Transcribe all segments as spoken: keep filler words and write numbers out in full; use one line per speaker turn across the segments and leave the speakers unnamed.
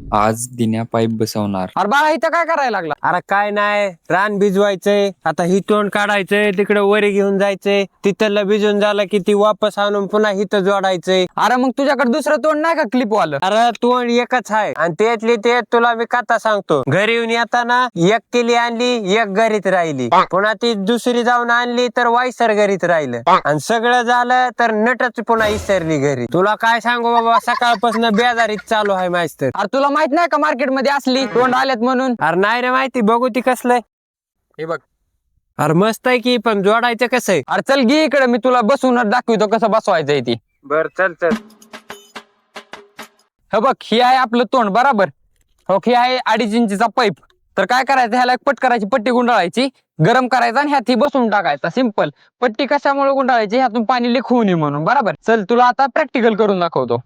आज दिन्या पाईप बसवणार.
अरे बाळा इथं काय करायला लागला?
अरे काय नाही, रान भिजवायचंय, आता ही तोंड काढायचंय, तिकडे वरी घेऊन जायचंय, तिथलं भिजून झालं की ती वापस आणून पुन्हा हिथं जोडायचंय.
अरे मग तुझ्याकडे दुसरं तोंड नाही का क्लिप वालं?
अरे तोंड एकच आहे आणि त्यातली ते तुला मी कथा सांगतो. घरी येऊन येताना एक किली आणली, एक घरीत राहिली, पुन्हा ती दुसरी जाऊन आणली तर वायसर घरीत राहिलं, आणि सगळं झालं तर नटच पुन्हा इसरली घरी. तुला काय सांगू बाबा, सकाळपासून बेजारीत चालू आहे मास्तर.
अरे तुला माहित नाही का मार्केट मध्ये असली तोंड आल्यात म्हणून?
अरे नाही रे माहिती, बघू ती कसलंय.
हे बघ.
अरे मस्त आहे की, पण जोडायचं कसं आहे?
अरे चल घे इकडे, मी तुला बसून दाखवतो कसं बसवायचंय ती.
बर चल चल.
हे बघ, ही आहे आपलं तोंड बरोबर. हो, ही आहे अडीच इंचीचा पाईप. तर काय करायचं, ह्याला एक पट करायची, पट्टी गुंडाळायची, गरम करायचा आणि ह्यात ही बसून टाकायचा. सिंपल. पट्टी कशामुळे गुंडाळायची? ह्यातून पाणी लीक होऊ नये म्हणून. बरोबर. चल तुला आता प्रॅक्टिकल करून दाखवतो.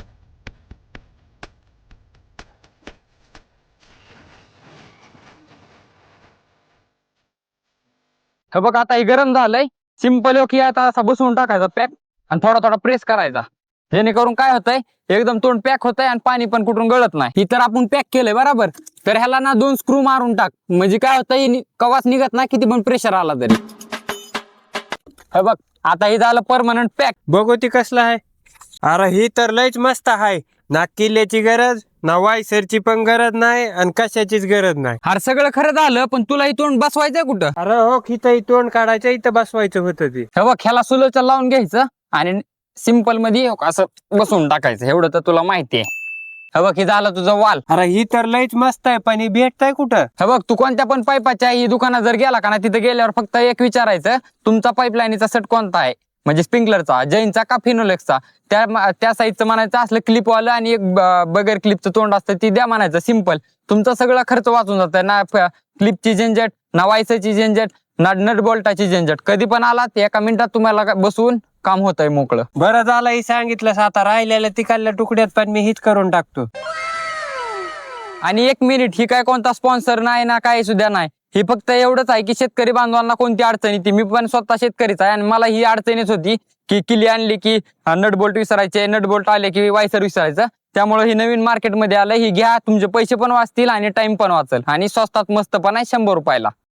हे बघ, आता हे गरम झालंय. सिंपल की आता असा बसवून टाकायचा पॅक आणि थोडा थोडा प्रेस करायचा, जेणेकरून काय होतंय, एकदम तोंड पॅक होतंय आणि पाणी पण कुठून गळत नाही. ही तर आपण पॅक केलंय बरोबर. तर ह्याला ना दोन स्क्रू मारून टाक, म्हणजे काय होतंय, कवाच निघत नाही किती पण प्रेशर आला तरी. हे बघ, आता हे झालं परमनंट पॅक.
बघू ती कसलं आहे. अरे ही तर लयच मस्त आहे. ना किल्ल्याची गरज, ना वायसरची पण गरज नाही आणि कशाचीच गरज नाही.
अरे सगळं खरं झालं, पण तुला ही तोंड बसवायचंय कुठं?
अरे हो, इथं तोंड काढायचं, इथं बसवायचं होतं ते.
हे बघ, ह्याला सुलोचं लावून घ्यायचं आणि सिंपल मध्ये असं बसवून टाकायचं. एवढं तर तुला माहिती आहे. हे बघ, हे झालं तुझं वाल.
अरे ही तर लयच मस्त आहे, पण ही भेटताय कुठं?
हे बघ, तू कोणत्या पण पाईपाच्या ही दुकानात जर गेला का ना, तिथे गेल्यावर फक्त एक विचारायचं, तुमचा पाईपलाईनचा सेट कोणता आहे, म्हणजे स्प्रिंकलरचा, जैनचा का फिनोलेक्सचा. त्या त्या साईजचं म्हणायचं असलं क्लिप वालं आणि एक बगैर क्लिपचं तोंड असतं ती द्या म्हणायचं. सिंपल. तुमचा सगळा खर्च वाचून जातं ना, क्लिपची झंझट ना, वायसरची झंझट ना, नट बोल्टाची झंझट. कधी पण आला ते एका मिनिटात तुम्हाला बसवून काम होतंय मोकळं.
बरं झालं ही सांगितलंस. आता राहिलेल्या तिकडल्या तुकड्यात पण मी हीच करून टाकतो.
आणि एक मिनिट, ही काय कोणता स्पॉन्सर नाही ना, काही सुद्धा नाही. ही फक्त एवढंच आहे की शेतकरी बांधवांना कोणती अडचण येते. मी पण स्वतः शेतकरीच आहे आणि मला ही अडचणीच होती की किली आणली की नट बोल्ट विसरायचे, नट बोल्ट आले की वायसर विसरायचं. त्यामुळे ही नवीन मार्केटमध्ये आलं. ही घ्या, तुमचे पैसे पण वाचतील आणि टाइम पण वाचेल आणि स्वस्तात मस्त पण आहे, शंभर रुपयाला.